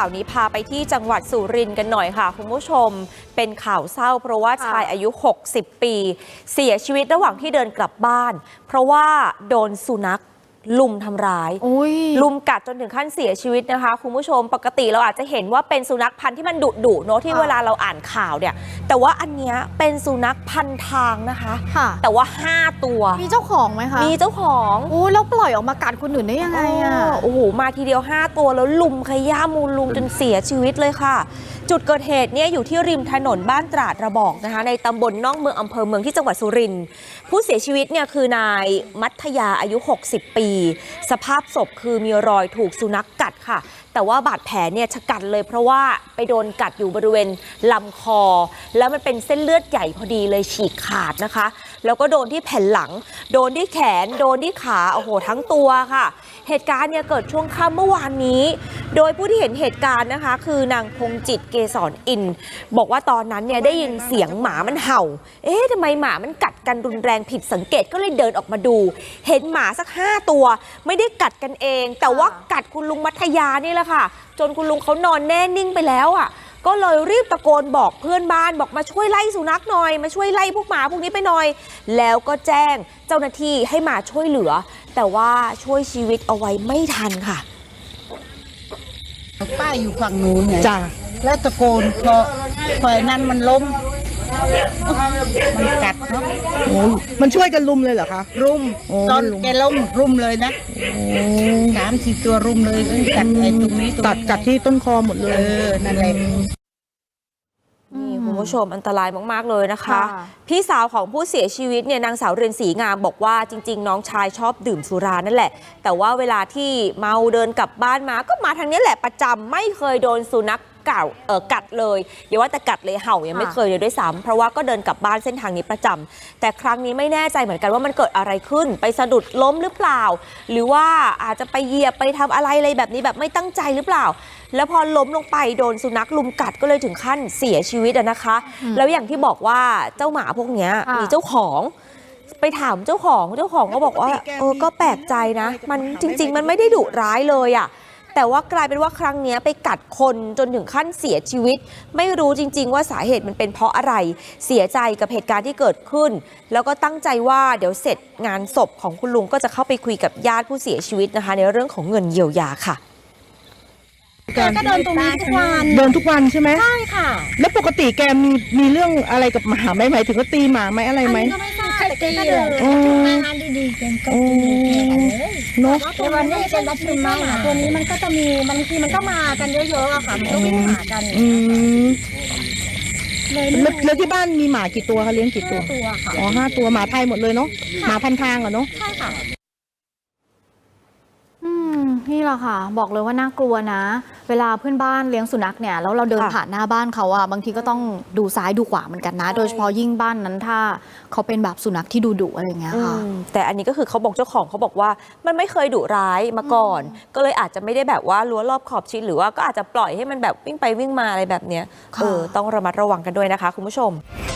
ข่าวนี้พาไปที่จังหวัดสุรินทร์กันหน่อยค่ะคุณผู้ชมเป็นข่าวเศร้าเพราะว่าชายอายุ60 ปีเสียชีวิตระหว่างที่เดินกลับบ้านเพราะว่าโดนสุนัขลุมทำร้ายลุมกัดจนถึงขั้นเสียชีวิตนะคะคุณผู้ชมปกติเราอาจจะเห็นว่าเป็นสุนัขพันธุ์ที่มันดุเนาะที่เวลาเราอ่านข่าวเนี่ยแต่ว่าอันเนี้ยเป็นสุนัขพันทางนะคะแต่ว่า5 ตัวมีเจ้าของไหมคะมีเจ้าของแล้วปล่อยออกมากัดคนอื่นได้ยังไงโอ้โหมาทีเดียว5 ตัวแล้วลุมขย้ำมูลลุมจนเสียชีวิตเลยค่ะจุดเกิดเหตุเนี่ยอยู่ที่ริมถนนบ้านตราดระบอกนะคะในตำบลน่องเมืองอำเภอเมืองที่จังหวัดสุรินทร์ผู้เสียชีวิตเนี่ยคือนายมัธยาอายุ60 ปีสภาพศพคือมีรอยถูกสุนัขกัดค่ะแต่ว่าบาดแผลเนี่ยชะกันเลยเพราะว่าไปโดนกัดอยู่บริเวณลำคอแล้วมันเป็นเส้นเลือดใหญ่พอดีเลยฉีกขาดนะคะแล้วก็โดนที่แผ่นหลังโดนที่แขนโดนที่ขาโอ้โหทั้งตัวค่ะเหตุการณ์เนี่ยเกิดช่วงค่ำเมื่อวานนี้โดยผู้ที่เห็นเหตุการณ์นะคะคือนางพงจิตเกษรอินบอกว่าตอนนั้นเนี่ยได้ยินเสียงหมามันเห่าทำไมหมามันกัดกันรุนแรงผิดสังเกตก็เลยเดินออกมาดูเห็นหมาสัก5 ตัวไม่ได้กัดกันเองแต่ว่ากัดคุณลุงมัธยานี่แหละค่ะจนคุณลุงเขานอนแน่นิ่งไปแล้วอ่ะก็เลยรีบตะโกนบอกเพื่อนบ้านบอกมาช่วยไล่สุนัขหน่อยมาช่วยไล่พวกหมาพวกนี้ไปหน่อยแล้วก็แจ้งเจ้าหน้าที่ให้มาช่วยเหลือแต่ว่าช่วยชีวิตเอาไว้ไม่ทันค่ะป้าอยู่ฝั่งนู้นไงจ้าแล้วตะโกนพอนั้นมันล้มมันกัดเนาะมันช่วยกันรุมเลยเหรอคะรุมตอนแกล้มรุมเลยนะ3-4 ตัวรุมเลยกัดไอ้ตรงนี้กัดที่ต้นคอหมดเลยนั่นแหละนี่คุณผู้ชมอันตรายมากๆเลยนะคะพี่สาวของผู้เสียชีวิตเนี่ยนางสาวเรือนศรีงามบอกว่าจริงๆน้องชายชอบดื่มสุรานั่นแหละแต่ว่าเวลาที่เมาเดินกลับบ้านมาก็มาทางนี้แหละประจำไม่เคยโดนสุนัขกัดเลยอย่าว่าแต่กัดเลยเห่ายังไม่เคยเลยด้วยซ้ำเพราะว่าก็เดินกลับบ้านเส้นทางนี้ประจำแต่ครั้งนี้ไม่แน่ใจเหมือนกันว่ามันเกิดอะไรขึ้นไปสะดุดล้มหรือเปล่าหรือว่าอาจจะไปเหยียบไปทำอะไรแบบนี้แบบไม่ตั้งใจหรือเปล่าแล้วพอล้มลงไปโดนสุนัขลุมกัดก็เลยถึงขั้นเสียชีวิตนะคะแล้วอย่างที่บอกว่าเจ้าหมาพวกนี้มีเจ้าของไปถามเจ้าของก็บอกว่าก็แปลกใจนะมันจริงๆมันไม่ได้ดุร้ายเลยอ่ะแต่ว่ากลายเป็นว่าครั้งนี้ไปกัดคนจนถึงขั้นเสียชีวิตไม่รู้จริงๆว่าสาเหตุมันเป็นเพราะอะไรเสียใจกับเหตุการณ์ที่เกิดขึ้นแล้วก็ตั้งใจว่าเดี๋ยวเสร็จงานศพของคุณลุงก็จะเข้าไปคุยกับญาติผู้เสียชีวิตนะคะในเรื่องของเงินเยียวยาค่ะแกก็เดินตรงนี้ทุกวันเดินทุกวันใช่ไหมใช่ค่ะแล้วปกติแกมีเรื่องอะไรกับหมาไหมหมายถึงว่าตีหมาไหมอะไรไหมก็ไม่ทราบแต่แกก็เดินงานดีๆแกก็ตีเนาะแต่วันนี้เป็นวัดชุมมาตัวนี้มันก็จะมีบางทีมันก็มากันเยอะๆอะค่ะมันก็วิ่งหากันแล้วที่บ้านมีหมากี่ตัวคะเลี้ยงกี่ตัว 5 ตัวค่ะ 5 ตัวหมาไทยหมดเลยเนาะหมาพันทางอะเนาะใช่ค่ะนี่แหละค่ะบอกเลยว่าน่ากลัวนะเวลาเพื่อนบ้านเลี้ยงสุนัขเนี่ยแล้วเราเดินผ่านหน้าบ้านเขาอะบางทีก็ต้องดูซ้ายดูขวาเหมือนกันนะโดยเฉพาะยิ่งบ้านนั้นถ้าเขาเป็นแบบสุนัขที่ดุอะไรอย่างเงี้ยค่ะแต่อันนี้ก็คือเขาบอกเจ้าของเขาบอกว่ามันไม่เคยดุร้ายมาก่อนก็เลยอาจจะไม่ได้แบบว่ารั้วรอบขอบชิดหรือว่าก็อาจจะปล่อยให้มันแบบวิ่งไปวิ่งมาอะไรแบบเนี้ยต้องระมัดระวังกันด้วยนะคะคุณผู้ชม